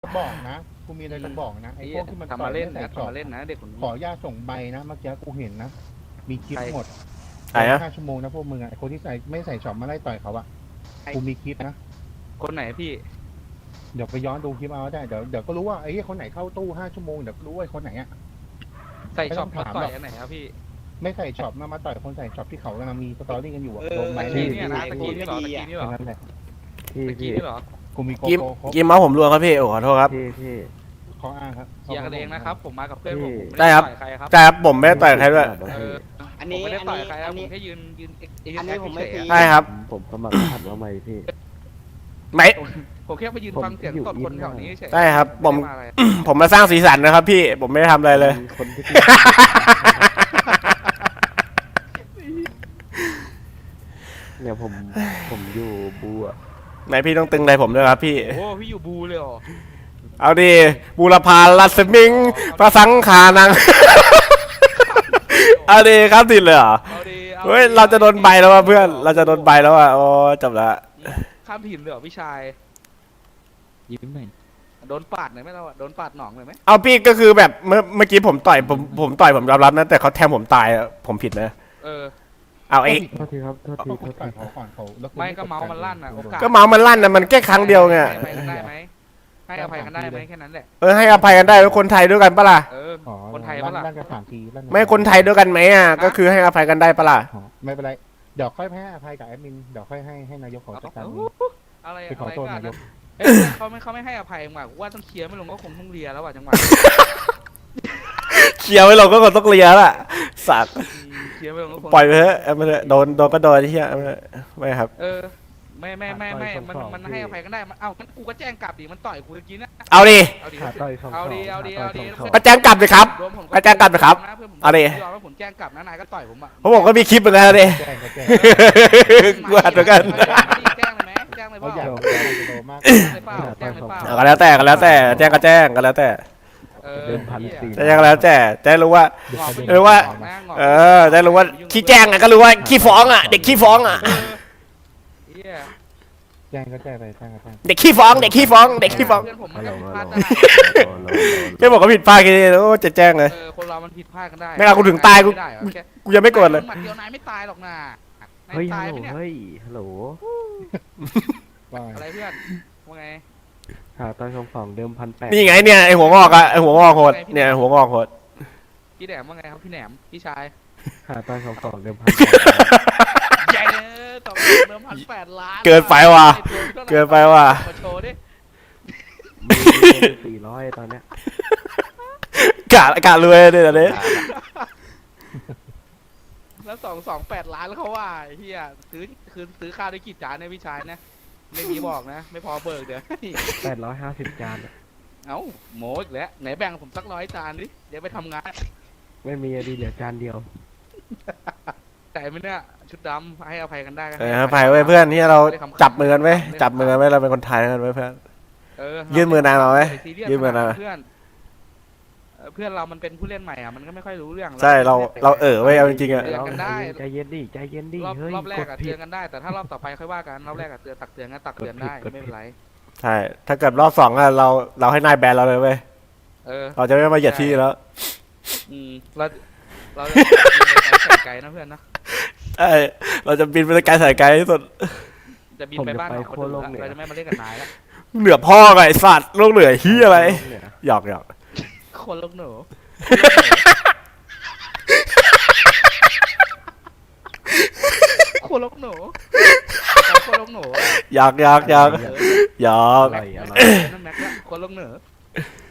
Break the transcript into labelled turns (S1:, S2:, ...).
S1: บอกนะกูมีอะไรจะบอกนะไอ้พวกที่มัน
S2: ทำ
S1: ต่อ
S2: มาย เล่น
S1: ไม่
S2: นะ
S1: ใส่ช็อป
S2: ทำมาเล่นนะเด็กคนนี้
S1: ขออนุญาตส่งใบนะเมื่อกี้กูเห็นนะมีคลิปหมด
S3: ไหนอะ
S1: 5 ชั่วโมงนะพวกมึงอ่ะไอ้คนที่ใส่ไม่ใส่ช็อปมาไล่ต่อยเขาอะกูมีคลิปนะ
S2: คนไหนพี่
S1: เดี๋ยวไปย้อนดูคลิปเอาได้เดี๋ยวก็รู้ว่าไอ้คนไหนเข้าตู้5 ชั่วโมงเดี๋ยวก็รู้ว่าคนไหนอะ
S2: ใส่ช็อป
S1: ไม่ต้องถาม
S2: ต่อ
S1: หร
S2: ย
S1: อก
S2: อันไหนครับพี่
S1: ไม่ใส่ช็อปมาต่อยคนใส่ช็อปที่เขากำลังมีสตอรี่กันอยู่อะโดน
S2: ตะ
S1: ไม้
S2: กี้
S1: นี่
S2: เนี่ยนะตะกี้นี่เหรอตะกี้นี่เหรอ
S1: นั่นแหละ
S2: ตะกี้นี่เหรอ
S1: กูมีโก
S3: กิม
S1: โก้ครบ
S3: กิมเมาส์ผมรวมครับพี่โอ้ขอโทษครับ
S4: พี่
S1: ข้ออ้างครับ
S2: เคลียร์กันเองนะครับผมมากับเพื่อนผม
S3: ได้ครับ
S2: ต่อยใครครับ
S3: ใช่ครับผมไม่ได้ต่อยใครด้วย
S2: เออ
S5: อัน
S2: ผม
S5: นี้
S2: ไม่ได้ต่อยใครค
S5: อั
S2: รับ
S5: น
S2: ผ
S5: นี้
S2: มแค่ยืน
S5: อันนี้ผมไม่ตี
S3: ใช่ครับ
S4: ผมสมัครหัดมาใหม่พี่
S3: ไม่
S2: ผมแค่มายืนฟังเสียงสดคนแถวนี้เฉย
S3: ใช่ครับผม
S2: ไได้าอะไร
S3: ผมมาสร้างสีสันนะครับพี่ผมไม่ได้ทำอะไรเลย
S4: มีคนที่เนี่ยผมอยู่บูอ่ะ
S3: ไหนพี่ต้องตึงอะไรผมด้วยครับพี่
S2: โอ้พี่อยู่บูเลยเหรอ
S3: เอาดิบูรพาลัสมิงพระสังขานัง เอาดิครับติดเลยเหรอ
S2: เอาดิอ
S3: เฮ้ยเราจะโดนใบแล้วว่ะเพื่อนเราจะโดนใบแล้วว่ะโอ้จบละ
S2: ข้ามถิ่นเลยเหรอพี่ชาย
S4: ยิ้มหน่อย
S2: โดนปาดหน่อยไหมเราอะโดนปาดหนองเลยไหม
S3: เอาพี่ก็คือแบบเมื่อกี้ผมต่อยผมต่อยผมยอมรับนะแต่เขาแทงผมตายอะผมผิดไหม
S2: เออ
S3: เอาไอ้
S4: โทษทีครับโทษที
S1: เขา
S4: โทษ
S1: ต่อ
S4: ที
S1: ยเขาก่อนเขาแล้ว
S2: ไม่ก็เมาส์มันลั่นอ่ะโอกาส
S3: ก็เมาส์มันลั่นนะมันแค่ครั้งเดียวไง
S2: ให้อภัยกันได้ไหมให้อภัยกันได้ไหมแค่นั้นแหละ
S3: ให้อภัยกันได้ว่าคนไทยด้วยกันปะล่ะ
S2: เออ
S1: อ๋อ
S2: คนไทยปะล่ะ
S1: ลั่นกัน3 ทีลั่นกัน
S3: ไม่คนไทยด้วยกันไหมอ่ะก็คือให้อภัยกันได้ปะล่ะ
S1: อ๋อไม่เป็นไรเดี๋ยวค่อยให้อภัยกับแอดมินเดี๋ยวค่อยให้นายกเขาจัดการเอง
S2: อะไร
S1: ไปขอ
S2: อะไร
S1: โทษ
S2: กัน
S1: นายก
S2: เอ้ยเขาไม่ให้อภัยมาว่าต้องเคลียร์ไม่ลงก็คงต้องเลียแล้วอ่ะจังหวะ
S3: เคลียร์ไว้เราก็ต้องเคลียร์ละสัตว์
S2: เคลียร์ไม่ลงก็คง
S3: ปล่อยไปเถอะเอาไปเถอะโดนก็โดนที่เหี้ยเอาไปเถอะไม่ครับ
S2: เออมันให้อภัยกันได้มันเอ้างั้นกูก็แจ้งกลับดิมันต่อยกูเมื่อกี้นะ
S3: เอาดิ
S2: เอาดิ
S4: ขาต่อยสอง
S2: เอา
S4: สอง
S2: ดิเอาดิ
S4: ขา
S2: เอา
S4: ต่
S2: ดิ
S4: อยสองสอง
S3: ก็แจ้งกลับเลยครับ
S2: รวมผม
S3: ก็แจ้งกลับนะครับ
S2: พื่นผม
S3: เอาดิ
S2: ยอมว่าผมแจ้งกลับนะนายก็ต่อยผมอ่ะ
S3: เพราะผมก็มีคลิปเหมือนกันนะดิ
S1: แจ้งก็แจ้ง
S3: กูอัดเหมือนกัน
S2: แจ้งเลยไหมแจ้งเลยเป
S1: เขา
S2: ล่า
S1: อยาก
S2: แจ้ง
S1: จะโดนมาก
S2: เลยเปล่าแจ้งเลยเปล่า
S3: เอาก็แล้วแต่แจ้งก็แจ้งก็แล้วแต่
S2: เออ
S4: เดิมพันสี่
S3: แจ้งก็แล้วแต่จะรู้ว่า เออว่า จะรู้ว่าขี้แจ้งอ่ะก็รู้ว่าขี้ฟ้องอ่ะเด็กขี้ฟ้องอ่ะ
S2: เหี้ย
S1: แจ้งก็แจ้งไปแจ้งก็แจ้ง
S3: เด็กขี้ฟ้องเด็กขี้ฟ้องเด็กขี้ฟ้อง
S2: เพื่อนผมมัน
S4: ฮัลโหล
S2: ก็ผิดพลาดได้
S3: แค่บอกว่าผิดพลาดแค่นี้โอ้จะแจ้งเลย
S2: คนเรามันผิดพลาดกันได้
S3: ไม่เอากูถึงตายกู
S2: ไม่ได้เหรอแค่
S3: กูยังไม่โกรธเลย
S2: หมัดเดียวนายไม่ตายหรอกนะนาย
S4: เฮ้ย
S2: ตา
S4: ฮั
S2: ย
S4: ล
S2: ไหมเนี่ย
S4: โหลเฮ้ยฮัลโหล
S1: ว่า
S2: อะไรเพื่อนว่าไง
S4: ขาต่อยสองสองเดิม1,800
S3: นี่ไงเนี่ยไอหัวงอกอะไอหัวงอกโหดเนี่ยหัวงอกโหด
S2: พี่แหนมว่าไงครับพี่แหนมพี่ชาย
S4: ขาต่อยสองสองเดิม1,800
S2: ใหญ่เลยต่อเดิม1,800,000
S3: เกินไปว่ะเกินไปว่ะ
S2: มาโชว์ดิ
S4: มี400ตอนเนี้ย
S3: กะรวยเนี่ยตอนนี้
S2: แล้ว228 ล้านแล้วเขาว่าไอ้เฮียซื้อข้าวได้กี่จานเนี่ยพี่ชายนะไม่มีบอกนะ ไม่พอเบิกเดี๋ยว
S4: 850 จานอะ
S2: เอ้าโมอีกแล้วไหนแบ่งผมสัก100 จานดิเดี๋ยวไปทำงาน
S4: ไม่มีอะดีเหลือจานเดียว
S2: ใจไหมเนี่ยชุดดำให้อภัยกันได้ก็
S3: เออไปไว้เพื่อนที่เราจับมือกันไว้จับมือกันไว้เราเป็นคนไทยกันไว้เพื่อน ยื่นมือนายมาไหมยื่นมือนายมา
S2: เพื่อนเพื่อนเรามันเป็นผู้เล่นใหม่อ่ะมันก็ไม่ค่อยรู้เรื่อง
S3: ใช่เราไว้เอาจริงๆอะ
S2: เตือนกันได้
S4: ใจเย็นดิใจเย็นดิเฮ้ย
S2: รอบแร
S4: ก
S2: ก
S4: ด
S2: อะ
S4: ผิ
S2: เตื
S4: ด
S2: อนกันได้แต่ถ้ารอบต่อไปค่อยว่ากันรอบแรกอะตักเตือนกันตักเตือนได้
S4: กดผิด
S2: ไม่เป็นไร
S3: ใช่ถ้าเกิดรอบ2อะเราให้นายแบนเราเลยเว้ย
S2: เออ
S3: เราจะไม่มาเหยียดที่แล้ว
S2: เราจะบินไปไกลๆนะเพื่อนนะ
S3: ใช่เราจะบินไปไกลสายไกลที่สุด
S2: จะบินไปบ้านของคนอื่นละเราจะไม่มาเล่นกับนายละ
S3: เหนือพ่อไงไอ้สัตว์โลกเหนือเฮียอะไรหยอก
S2: คนลูกหนูคนลูกหนูคนลูกหนู
S3: หยอก
S4: อร่อยอร่อย
S2: นั่นแม็กละคนลูกหนู